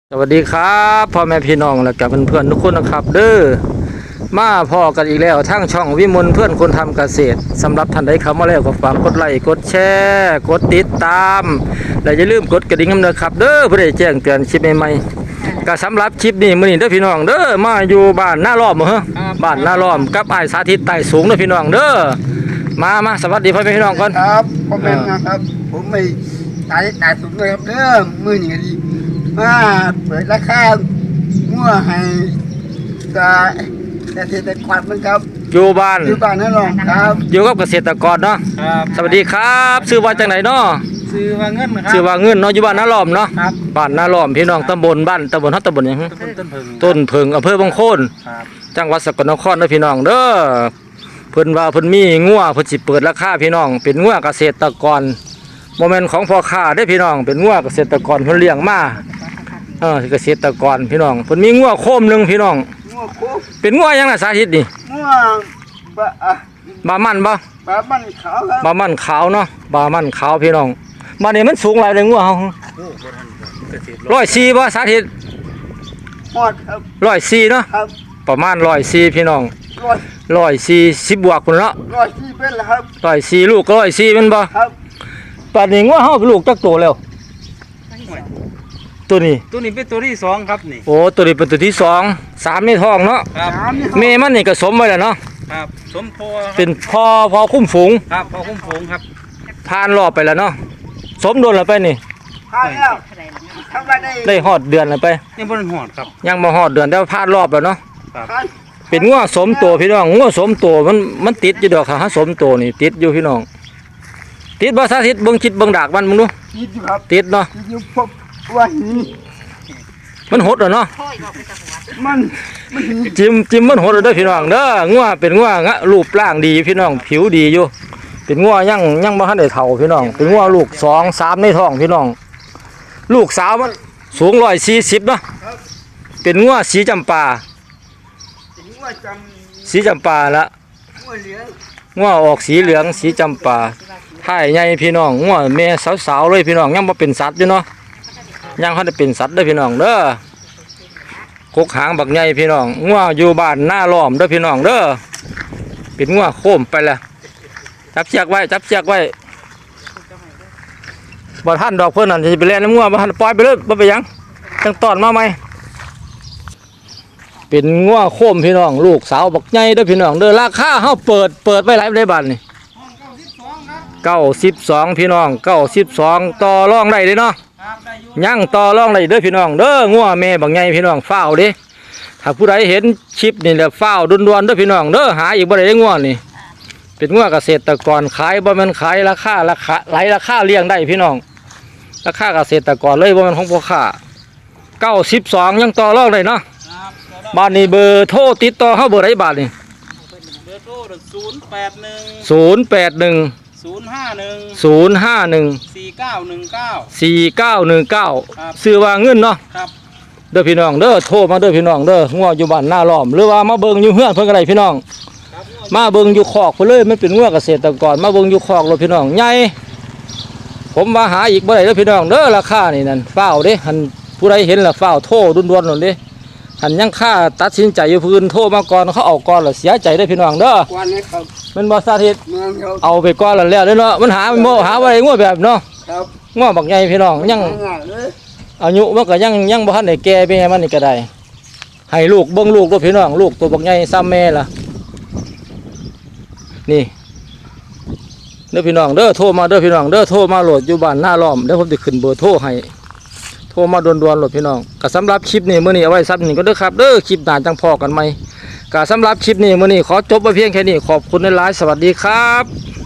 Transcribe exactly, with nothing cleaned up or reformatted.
สวัสดีครับพ่อแม่พี่น้องและกับเพื่อนๆทุกคนนะครับเด้อมาพ่อกันอีกแล้วทั้งช่องวิมลเพื่อนคนทำเกษตรสำหรับท่านใดเข้ามาแล้วก็ฝากกดไลค์กดแชร์กดติดตามและอย่าลืมกดกระดิ่งน้ำเด้อครับเด้อเพื่อได้แจ้งเตือนคลิปใหม่ๆก็สำหรับคลิปนี้มื้อนี้เด้อพี่น้องเด้อมาอยู่บ้านหน้าล้อมเหรอบ้านหน้าล้อมกับอ้ายสาธิตไต่สูงเด้อพี่น้องเด้อมามาสวัสดีพ่อแม่พี่น้องก่อนครับพ่อแม่นะครับผมไม่ตายตายสุดเลยครับเด้อมือหนึ่งดีมาเปิดราคางัวให้กาเกษตรกรมันครับอยู่บ้านอยู่บ้านนั่นหรอครับอยู่กับเกษตรกรเนาะสวัสดีครับชื่อว่าจังไหนเนาะซื้อว่าเงินครับชื่อว่าเงินเนาะอยู่บ้านหน้าล้อมเนาะบ้านหน้าล้อมพี่น้องตำบลบ้านตำบลฮัตตำบลหยังต้นเพิงต้นเพิงอำเภอบางโคนจังหวัดสกลนครเด้อพี่น้องเด้อเพิ่นว่าเพิ่นมีงัวเพิ่นสิเปิดราคาพี่น้องเป็นงัวเกษตรกรโมเมนต์ของพ่อค้าได้พี่น้องเป็นงัวเกษตรกรเพิ่นเลี้ยงมาเออเกษตรกรพี่น้องเพิ่นมีงัวโคมนึงพี่น้องงัวโคเป็นงัวยังน่ะสาธิตนี่งัวบะอ่ะบามันบ่บามันขาวครับบามันขาวเนาะบามันขาวพี่น้องมานี่มันสูงหลายเลยงัวเฮาร้อยสี่บ่สาธิตฮอดครับร้อยสี่เนาะครับประมาณร้อยสี่พี่น้องร้อยร้อยสี่สิบบวกพุ่นเนาะร้อยสี่เป็นแล้วครับร้อยสี่ลูกก็ร้อยสี่มันบ่ครับป่านนี้งัวเฮาเป็นลูกจักโตแล้วตัวนี้ตัวนี้เป็นตัวที่สองครับนี่โอ้ตัวนี้เป็นตัวที่สองสามในท้องเนาะครับแม่มันนี่ก็สมไว้แล้วเนาะครับสมพอเป็นพอพอคุ้มฝูงครับพอคุ้มฝูงครับผ่านรอบไปแล้วเนาะสมโดนแล้วไปนี่ผ่านแล้วทำไรได้ได้ฮอดเดือนแล้วไปยังบ่หอดครับยังบ่ฮอดเดือนแต่ผ่านรอบแล้วเนาะครับเป็นงัวสมโตพี่น้องงัวสมโตมันมันติดอยู่ดอกค่ะสมโตนี่ติดอยู่พี่น้องติดบ่สาธิตเบิ่งคิดเบิ่งดากมันมึงดูติดอยู่ครับติดเนาะติดอยู่พบว่าหินมันหดแล้วเนาะมันจิ้มจิ้มมันหดแล้วเด้อพี่น้องเด้องัวเป็นงัวงะรูปร่างดีพี่น้องผิวดีอยู่เป็นงัวยังยังบ่ทันได้เฒ่าพี่น้องเป็นงัวลูกสองสามในท้องพี่น้องลูกสาวมันสูงร้อยสี่สิบเนาะเป็นงัวสีจำปาสีจำปาละงัวออกสีเหลืองสีจำปาท้ายใหญ่พี่น้องงัวแม่สาวๆเลยพี่น้องยังบ่เป็นสัตว์อยู่เนาะยังเขาได้เป็นสัตว์เด้อพี่น้องเด้อกกหางบักใหญ่พี่น้องงัวอยู่บ้านหน้าล้อมเด้อพี่น้องเด้อเป็นงัวโค้มไปแล้วจับเชือกไว้จับเชือกไว้บ่ท่านดอกเพิ่นนั่นจะไปเล่นน้ำงัวบ่ท่านปล่อยไปเลยบ่ไปยังจังตอนมาไหมเป็นงัวโค้มพี่น้องลูกสาวบักใหญ่เด้อพี่น้องเด้อราคาเฮาเปิดเปิดไว้หลายได้บาทนี่เก้าสิบสองพี่น้องเก้าสิบสองต่อรองได้เลยเนาะยังต่อรองได้เด้อพี่น้องเด้องัวแม่บักใหญ่พี่น้องเฝ้าเด้ถ้าผู้ใดเห็นคลิปนี่แหละเฝ้าด่วนๆเด้อพี่น้องเด้อหาอีกบ่ได้ได้งัวนี่เป็นงัวเกษตรกรขายบ่แม่นขายราคาราคาหลายราคาเลี้ยงได้พี่น้องราคาเกษตรกรเลยบ่แม่นของพ่อค้าเก้าสิบสองยังต่อรองได้เนาะบ้านนี้เบอร์โทรติดต่อเฮาเบอร์ใดบาทนี่เบอร์โทรศูนย์แปดหนึ่งศูนย์แปดหนึ่งศูนย์ห้าหนึ่งศูนย์ห้าหนึ่งสี่เก้าหนึ่งเก้าสี่เก้าหนึ่งเก้าซื้อว่าเงินเนาะครับเด้อพี่น้องเด้อโทรมาเด้อพี่น้องเด้องัวอยู่บ้านหน้าล้อมหรือว่ามาเบิ่งอยู่เฮือนเพิ่นก็ได้พี่น้องมาเบิ่งอยู่คอกเพิ่นเลยมันเป็นงัวเกษตรกรมาเบิ่งอยู่คอกเลยพี่น้องใหญ่ผมว่าหาอีกบ่ได้เด้อพี่น้องเด้อราคานี่นั่นเฝ้าเด้หันผู้ใดเห็นล่ะเฝ้าโทรด่วนๆนั่นเด้หันยังค่าตัดสินใจอยู่พื้นโทรมาก่อนเขาเอาก่อนแล้วเสียใจได้พี่น้องเด้อมันบ่สาธิตเอาไปก่อนแล้วแล้วเนาะมันหาโมหาอะไรงัวแบบเนาะงัวบักใหญ่พี่น้องยังอายุมันก็ยังยังบ่ทันได้แก่แม่มันนี่ก็ได้ให้ลูกเบิ่งลูกด้วยพี่น้องลูกตัวบักใหญ่ซ้ำแม่ล่ะนี่เด้อพี่น้องเด้อโทรมาเด้อพี่น้องเด้อโทรมาโหลดอยู่บ้านหน้าล้อมเดี๋ยวผมจะขึ้นเบอร์โทรให้โทรมาด่วนๆหลดพี่น้องก็สำหรับคลิปนี้มื้อนี้เอาไว้ซับนี่ก็เด้อครับเด้อคลิปหน้าจังพอกันใหม่ก็สำหรับคลิปนี้มื้อนี้ขอจบไว้เพียงแค่นี้ขอบคุณหลายๆสวัสดีครับ